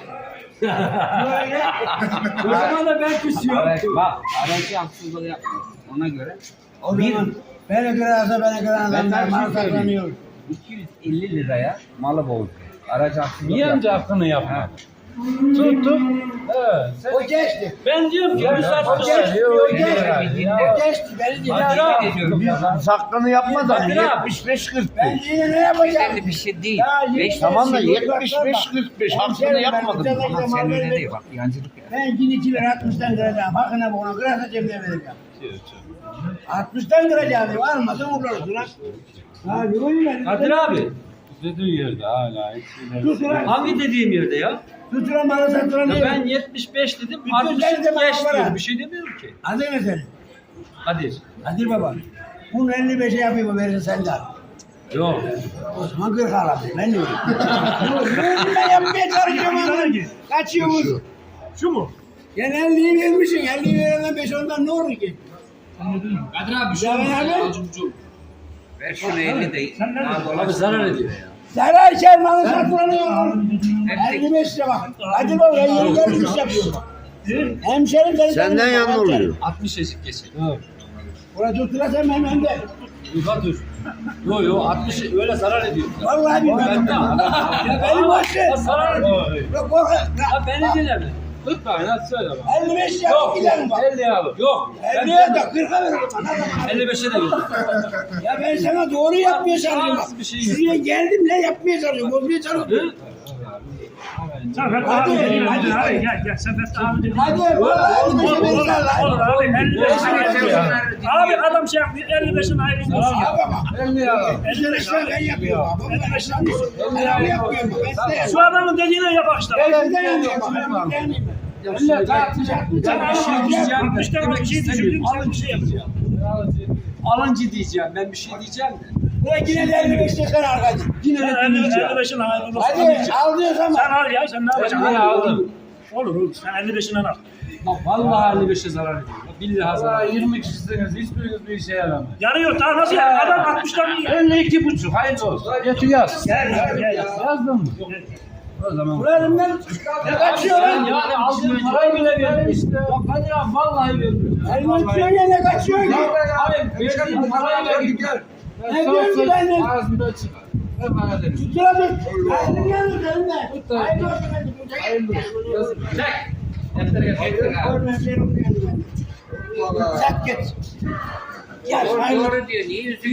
Böyle. O zaman da ben küsüyorum. Evet, bak aracı haksızlık yapmıyor. Ona göre O zaman bana göre alsa bana göre adamlar mal saklanıyor. 250 liraya malı bozdu. Aracı haksızlık Niye amca hakkını yapma? Ha. Tuttum. Sen O geçti. ben diyorum ki bir saat O geçti. O geçti. Ya. O geçti. Beni dinle. Hakkını yapmadan Hadi abi. 75-45. Ben yine ne yapacağım? Önemli bir şey değil. Ya, yine Beş, Tamam da Şimdi 75-45 hakkını yapmadın. ama sen öyle değil bak yancılık ya. Ben yine 2 lira 60'tan kıracağım. Hakkına bunu kırarsa cebine vereceğim. 60'tan kıracağım. Almasın uğraşsın lan. Ha yürüyün ben. Kadir abi. Dediğin yerde hala. Tut ulan. Hangi dediğim yerde ya? Tut ulan malı sat ulan Ya diyor. ben 75 dedim, Bütün 60 seni de bana geç bırak. diyorum. Bir şey demiyorum ki. Adı ne senin? Kadir. Kadir baba. Bunu 55'e yapayım verirsen sen de al. Yok. O zaman 40 al abi. Ben diyorum. Ben yapmaya çalışıyorum ama. Kaçıyoruz. Şu mu? Sen 50'yi vermişsin. 50'yi verenden 5 ondan ne olur ki? Kadir abi şu an abi. Ver şunu 50 değil. Abi zarar ediyor ya. Zarar içer malı satılanıyor. 55 lira bak. Hadi baba 50'yi gelmiş yapıyor. Hemşerim seni Senden yanına oluyor. 60 eşik kesin. Buraya tuttular sen hemen de. Yukarı dur. Yo 60 öyle zarar ediyor. Vallahi bilmem. Ya beni boş ver. Ya zarar ediyor. Yok korkma. Ya beni dinleme. 40 tane hadi söyle bak. 55 yap gidelim bak. 50 al. Yok. 50'ye de 40'a veririm. 55'e de git. Ya ben sana doğru yapmaya çalışıyorum bak. Bir şey Şuraya geldim ne yapmaya çalışıyorum. Bozmaya çalışıyorum. Sen Fethi Hadi, abi dedin, hadi. hadi gel sen Fethi abi dedin. Hadi vallahi 55'e verirsen Olur lan. abi 55'in abi adam şey yapıyor 55'in ayrı olsun. Abi bak. 50 al. 55'e ben yapıyorum. Baba ben yapıyorum. Ben de. Şu adamın dediğine yap işte. Ben de yapıyorum. Millet tartacak. Sen Ben bir şey diyeceğim. 60 tane bir şey düşündün sen bir şey yapacaksın. Alıncı diyeceğim. Ben bir şey diyeceğim de. Buna yine de 55 çıkar arkadaş. Yine Sen de dinleyeceğim. 55'in ayrı olsun. Hadi al diyorsan Sen bak. al ya sen ne yapacaksın? Ben aldım. Olur sen 55'inden al. Bak vallahi 55'e zarar ediyor. Billahi zarar. 20 kişisiniz. Hiçbiriniz bir işe yaramaz. Yarıyor daha nasıl ya? Adam 60'tan iyi. 52,5. Hayırlı olsun. Getir yaz. Gel. Yazdın mı? O zaman. Buranın ne kaçıyor Sen lan? yani aldığın parayı bile verdin işte. Bak Kadir abi vallahi verdim. Elmasıyor ya ne kaçıyor ki? Abi verdiğin parayı verdim. Ne diyorsun ki benden? Ağzımda çıkar. Ben bana dedim. Tutula tut. Hayırlı geldi seninle. Hayırlı olsun hadi. Hayırlı olsun. Çek. Deftere getir. Görmem seni okuyandı ben. Sak git. Gel hayırlı. Doğru diyor. Niye yüzü